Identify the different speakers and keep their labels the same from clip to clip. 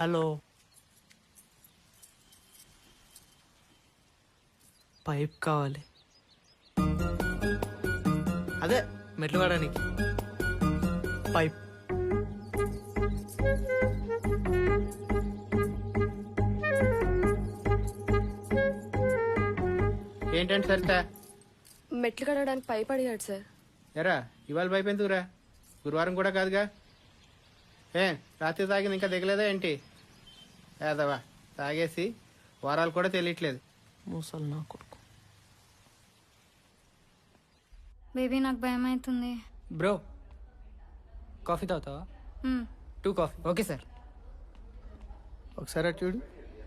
Speaker 1: Hello, pipe కావాలి. అదే మెట్లు పడడానికి పైప్.
Speaker 2: ఏంటంటే సరితా
Speaker 3: మెట్లు కడగడానికి పైప్ అడిగాడు సార్.
Speaker 2: ఎరా ఇవాళ పైపు ఎందుకురా? గురువారం కూడా కాదుగా. రాత్రి తాగింది ఇంకా దిగలేదా ఏంటి? ఏదవా తాగేసి వారాలు కూడా తెలియట్లేదు.
Speaker 1: మూసలు నా కొడుకు.
Speaker 4: బేబీ నాకు భయం అవుతుంది.
Speaker 5: బ్రో కాఫీ తాగుతావా? 2 కాఫీ. Okay sir.
Speaker 2: ఒకసారి అటు చూడు.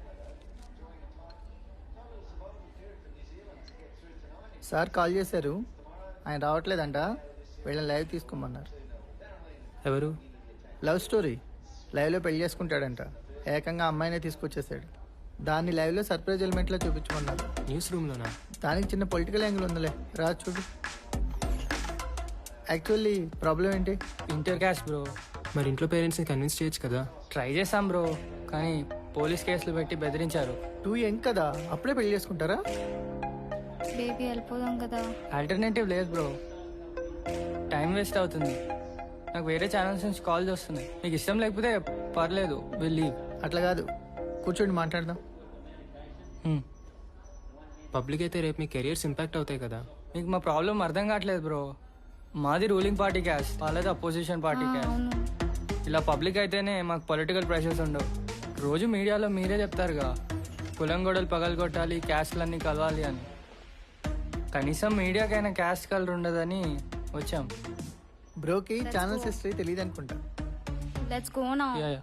Speaker 6: సార్ కాల్ చేశారు, ఆయన రావట్లేదంట, వీళ్ళని లైవ్ తీసుకోమన్నారు.
Speaker 5: ఎవరు?
Speaker 6: లవ్ స్టోరీ, లైవ్లో పెళ్లి చేసుకుంటాడంట. ఏకంగా అమ్మాయినే తీసుకొచ్చేసాడు. దాన్ని లైవ్లో సర్ప్రైజ్ ఎలిమెంట్లో చూపించమన్నారు.
Speaker 5: న్యూస్ రూమ్లోనా?
Speaker 6: దానికి చిన్న పొలిటికల్ యాంగిల్ ఉందిలే, రా చూడు. యాక్చువల్లీ ప్రాబ్లం ఏంటి?
Speaker 5: Inter caste bro. మరి ఇంట్లో పేరెంట్స్ని కన్విన్స్ చేయొచ్చు కదా. ట్రై చేశాం బ్రో, కానీ పోలీస్ కేసులు పెట్టి బెదిరించారు.
Speaker 6: 2 యంగ్ కదా, అప్పుడే పెళ్లి చేసుకుంటారా?
Speaker 4: బేబీ వెళ్ళిపోదాం కదా.
Speaker 5: ఆల్టర్నేటివ్ లేదు బ్రో, టైం వేస్ట్ అవుతుంది. నాకు వేరే ఛానల్స్ నుంచి కాల్స్ వస్తున్నాయి. మీకు ఇష్టం లేకపోతే పర్లేదు, వెళ్ళి.
Speaker 6: అట్లా కాదు, కూర్చోండి మాట్లాడదాం.
Speaker 5: పబ్లిక్ అయితే రేపు మీ కెరియర్స్ ఇంపాక్ట్ అవుతాయి కదా. మీకు మా ప్రాబ్లం అర్థం కావట్లేదు బ్రో. మాది రూలింగ్ పార్టీ క్యాస్ట్, వాళ్ళది అపోజిషన్ పార్టీ క్యాస్ట్. ఇలా పబ్లిక్ అయితేనే మాకు పొలిటికల్ ప్రెషర్స్ ఉండవు. రోజు మీడియాలో మీరే చెప్తారుగా, కులం గొడవలు పగలగొట్టాలి, క్యాస్ట్లన్నీ కలవాలి అని. కనీసం మీడియాకైనా క్యాస్ట్ కలర్ ఉండదని వచ్చాం.
Speaker 6: బ్రోకి ఛానల్స్ హిస్టరీ తెలియదు అనుకుంటా.
Speaker 4: Let's go now.
Speaker 5: యా.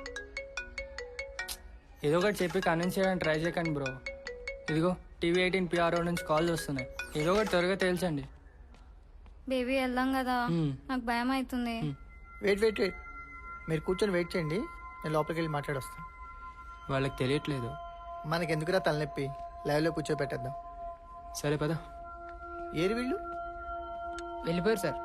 Speaker 5: ఏదో ఒకటి చెప్పి కన్విన్స్ చేయడానికి ట్రై చేయకండి బ్రో. ఇదిగో టీవీ 18 PRO నుంచి కాల్స్ వస్తున్నాయి. ఏదో ఒకటి త్వరగా తేల్చండి.
Speaker 4: బేబీ వెళ్దాం కదా, నాకు భయం అవుతుంది.
Speaker 6: వెయిట్, మీరు కూర్చొని వెయిట్ చేయండి, నేను లోపలికి వెళ్ళి మాట్లాడొస్తాను.
Speaker 5: వాళ్ళకి తెలియట్లేదు.
Speaker 6: మనకెందుకురా తలనొప్పి, లైవ్లో కూర్చోబెట్టేద్దాం.
Speaker 5: సరే పద.
Speaker 6: ఏరి వీళ్ళు
Speaker 5: వెళ్ళిపోయారు సార్.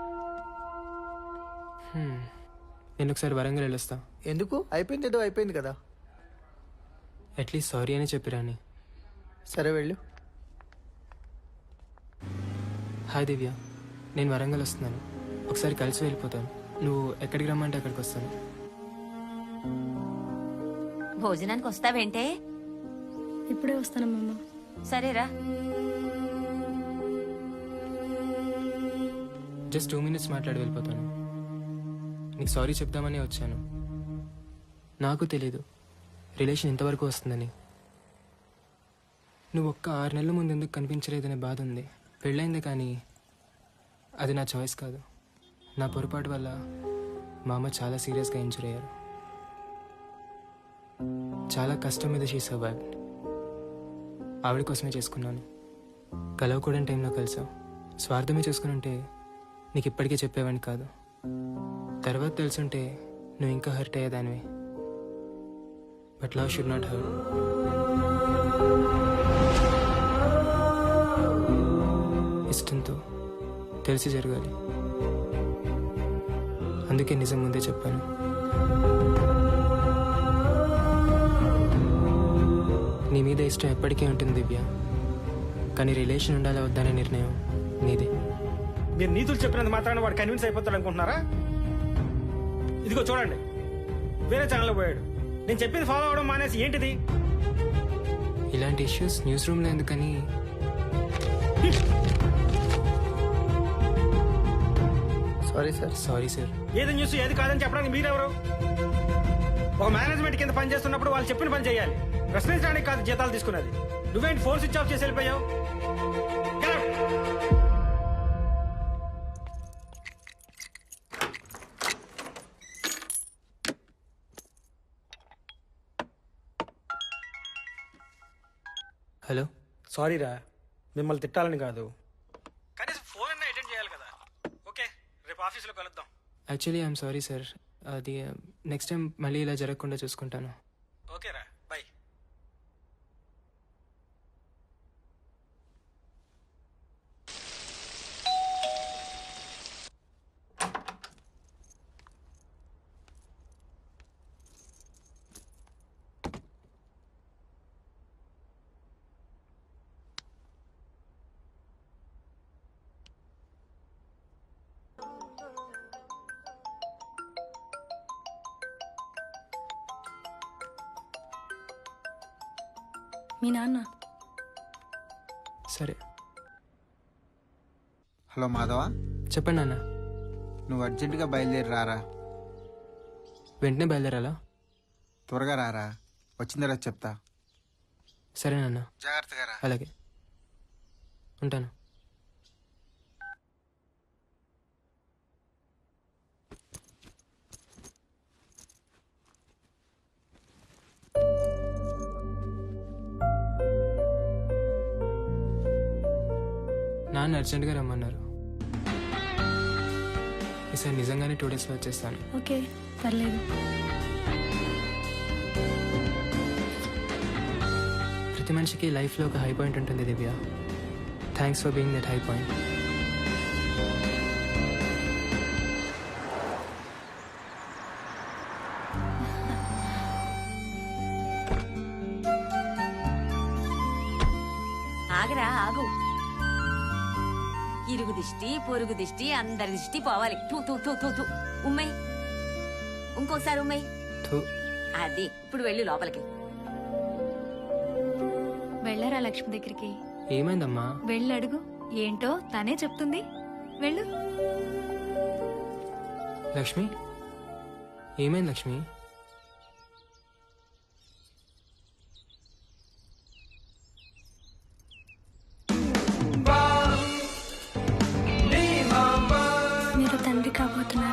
Speaker 5: నేను ఒకసారి వరంగల్ వెళ్ళొస్తా.
Speaker 6: ఎందుకు? అయిపోయింది, ఏదో అయిపోయింది కదా.
Speaker 5: అట్లీస్ట్ సారీ అని చెప్పిరాని.
Speaker 6: సరే వెళ్ళు.
Speaker 5: హాయ్ దివ్య, నేను వరంగల్ వస్తున్నాను. ఒకసారి కలిసి వెళ్ళిపోతాను. నువ్వు ఎక్కడికి రమ్మంటే అక్కడికి వస్తాను.
Speaker 7: భోజనానికి వస్తావేంటే?
Speaker 3: ఇప్పుడే వస్తానమ్మా.
Speaker 7: సరేరా.
Speaker 5: జస్ట్ 2 minutes మాట్లాడి వెళ్ళిపోతాను. నీకు సారీ చెప్దామని వచ్చాను. నాకు తెలీదు రిలేషన్ ఇంతవరకు వస్తుందని. నువ్వు ఒక్క 6 నెలల ముందు ఎందుకు కనిపించలేదనే బాధ ఉంది. పెళ్ళైంది, కానీ అది నా చాయిస్ కాదు. నా పొరపాటు వల్ల మా అమ్మ చాలా సీరియస్గా ఇంజూర్ అయ్యారు. చాలా కష్టం మీద షీ సర్వైవ్డ్. ఆవిడ కోసమే చేసుకున్నాను. కలవకూడని టైంలో కలిసావు. స్వార్థమే చేసుకుని ఉంటే నీకు ఇప్పటికే చెప్పేవాడిని కాదు. తర్వాత తెలుసుంటే నువ్వు ఇంకా హర్ట్ అయ్యేదానివి. But love should not hurt. ఇష్టంతో తెలిసి జరగాలి. అందుకే నిజం ముందే చెప్పాను. నీ మీద ఇష్టం ఎప్పటికీ ఉంటుంది దివ్య, కానీ రిలేషన్ ఉండాలి వద్దనే నిర్ణయం నీదే.
Speaker 8: మీరు నీతులు చెప్పినంత మాత్రాన వాడు కన్విన్స్ అయిపోతాడు అనుకుంటున్నారా? ఇదిగో చూడండి, వేరే ఛానల్లో పోయాడు. నేను చెప్పింది ఫాలో అవడం మానేసి ఏంటిది?
Speaker 5: ఇలాంటి ఇష్యూస్ న్యూస్ రూమ్లో ఎందుకని. Sorry sir.
Speaker 8: ఏది న్యూస్ ఏది కాదని చెప్పడానికి మీరెవరు? ఒక మేనేజ్మెంట్ కింద పని చేస్తున్నప్పుడు వాళ్ళు చెప్పిన పని చేయాలి. ప్రశ్నించడానికి కాదు జీతాలు తీసుకున్నది. నువ్వేంటి ఫోన్ స్విచ్ ఆఫ్ చేసి వెళ్ళిపోయావు? Get out!
Speaker 5: హలో.
Speaker 8: సారీరా, మిమ్మల్ని తిట్టాలని కాదు, కనీసం ఫోన్ అన్నా అటెండ్ చేయాలి కదా. ఓకే, రేపు ఆఫీస్లో కలుద్దాం.
Speaker 5: Actually I'm sorry sir. అది నెక్స్ట్ టైం మళ్ళీ ఇలా జరగకుండా చూసుకుంటాను.
Speaker 8: ఓకేరా, బై.
Speaker 3: మీ నాన్న.
Speaker 5: సరే
Speaker 9: హలో మాధవ,
Speaker 5: చెప్పండి అన్న.
Speaker 9: నువ్వు అర్జెంటుగా బయలుదేరి రారా.
Speaker 5: వెంటనే బయలుదేరాలా?
Speaker 9: త్వరగా రారా, వచ్చిన తర్వాత చెప్తా.
Speaker 5: సరేనన్నా,
Speaker 9: జాగ్రత్తగా రా.
Speaker 5: అలాగే ఉంటాను. నాన్న అర్జెంట్గా రమ్మన్నారు. ఈసారి నిజంగానే 2 డేస్లో వచ్చేస్తాను.
Speaker 3: ఓకే, పర్లేదు.
Speaker 5: ప్రతి మనిషికి లైఫ్లో ఒక హై పాయింట్ ఉంటుంది Divya. Thanks for being that high point.
Speaker 7: ఆగరా ఆగు. ఇరుగు దిష్టి పొరుగు దిష్టి అందరి దిష్టి పోవాలి. తూ తూ తూ తూ తూ. ఉమ్మయ్, ఇంకోసారి ఉమ్మయ్. అది ఇప్పుడు వెళ్ళు లోపలికి.
Speaker 4: వెళ్ళరా లక్ష్మి దగ్గరికి.
Speaker 5: ఏమైందమ్మా?
Speaker 4: వెళ్ళి అడుగు, ఏంటో తనే చెప్తుంది. వెళ్ళు.
Speaker 5: లక్ష్మి, ఏమైంది లక్ష్మి?
Speaker 3: మీరు తండ్రి కాబోతున్నారు.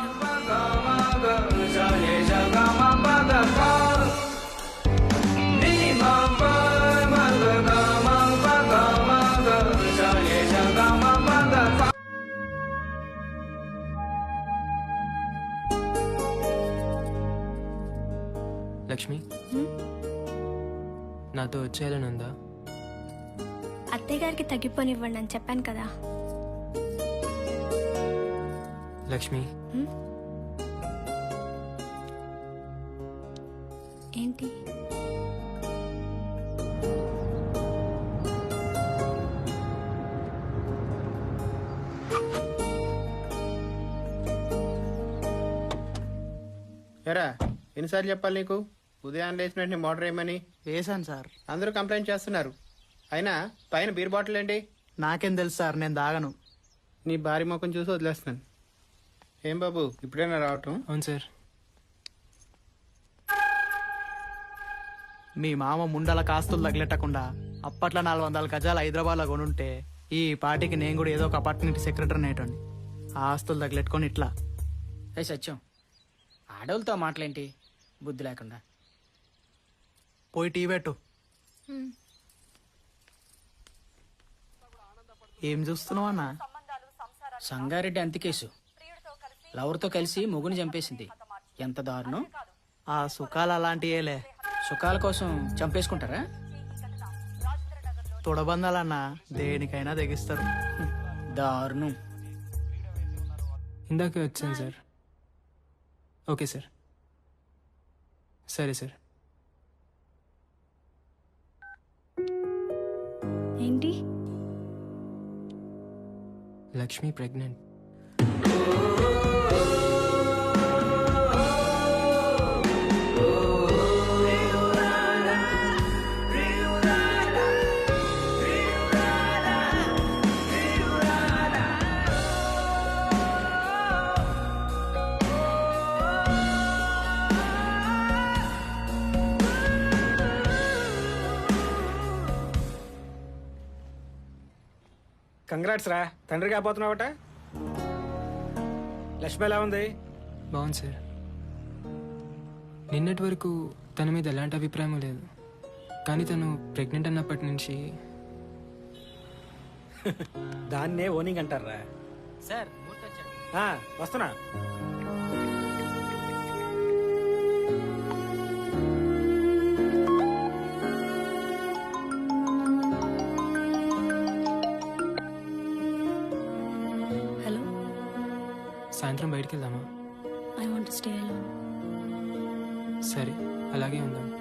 Speaker 5: లక్ష్మి, నాతో వచ్చేయాలని ఉందా?
Speaker 3: అత్తయ్య గారికి తగ్గిపోనివ్వండి అని చెప్పాను కదా.
Speaker 5: లక్ష్మి,
Speaker 3: ఏంటి?
Speaker 2: ఎరా, ఎన్నిసార్లు చెప్పాలి నీకు ఉదయం లేచిన వెంటనే మోటర్ వేయమని?
Speaker 6: వేసాను సార్.
Speaker 2: అందరూ కంప్లైంట్ చేస్తున్నారు. అయినా పైన బీర్ బాటిల్ ఏంటి?
Speaker 6: నాకేం తెలుసు సార్, నేను దాగను.
Speaker 2: నీ భారీ ముఖం చూసి వదిలేస్తున్నాను. ఏం బాబు, ఇప్పుడైనా రావటం?
Speaker 5: అవును సార్.
Speaker 6: మీ మామ ముండల కాస్తులు తగిలెట్టకుండా అప్పట్లో 400 గజాలు హైదరాబాద్లో కొనుంటే ఈ పార్టీకి నేను కూడా ఏదో ఒక అపార్ట్మెంట్ సెక్రటరీ నేటండి. ఆ ఆస్తులు తగిలెట్టుకొని ఇట్లా.
Speaker 10: ఏ సత్యం, ఆడవులతో మాటలేంటి బుద్ధి లేకుండా.
Speaker 6: పోయి టీ పెట్టు. ఏం చూస్తున్నావు అన్న?
Speaker 10: సంగారెడ్డి అంతికేసు లవర్తో కలిసి మొగుని చంపేసింది. ఎంత దారుణం.
Speaker 6: ఆ సుఖాలు అలాంటియేలే.
Speaker 10: సుఖాల కోసం చంపేసుకుంటారా?
Speaker 6: తొడబందాలన్నా దేనికైనా తెగిస్తారు.
Speaker 10: దారుణం.
Speaker 5: ఇందాకే వచ్చాను సార్. Okay sir. సరే సార్.
Speaker 3: ఏంటి?
Speaker 5: లక్ష్మి ప్రెగ్నెంట్.
Speaker 8: కంగ్రాట్స్ రా, తండ్రి కాబోతున్నావట. లక్ష్మి ఎలా ఉంది?
Speaker 5: బాగుంది సార్. నిన్నటి వరకు తన మీద ఎలాంటి అభిప్రాయం లేదు, కానీ తను ప్రెగ్నెంట్ అన్నప్పటి నుంచి
Speaker 8: దాన్నే ఓనింగ్ అంటారా?
Speaker 10: సార్
Speaker 8: వస్తున్నా.
Speaker 3: హలో,
Speaker 5: సాయంత్రం బయటికి వెళ్దామా?
Speaker 3: I want to stay alone.
Speaker 5: సరే, అలాగే ఉందాం.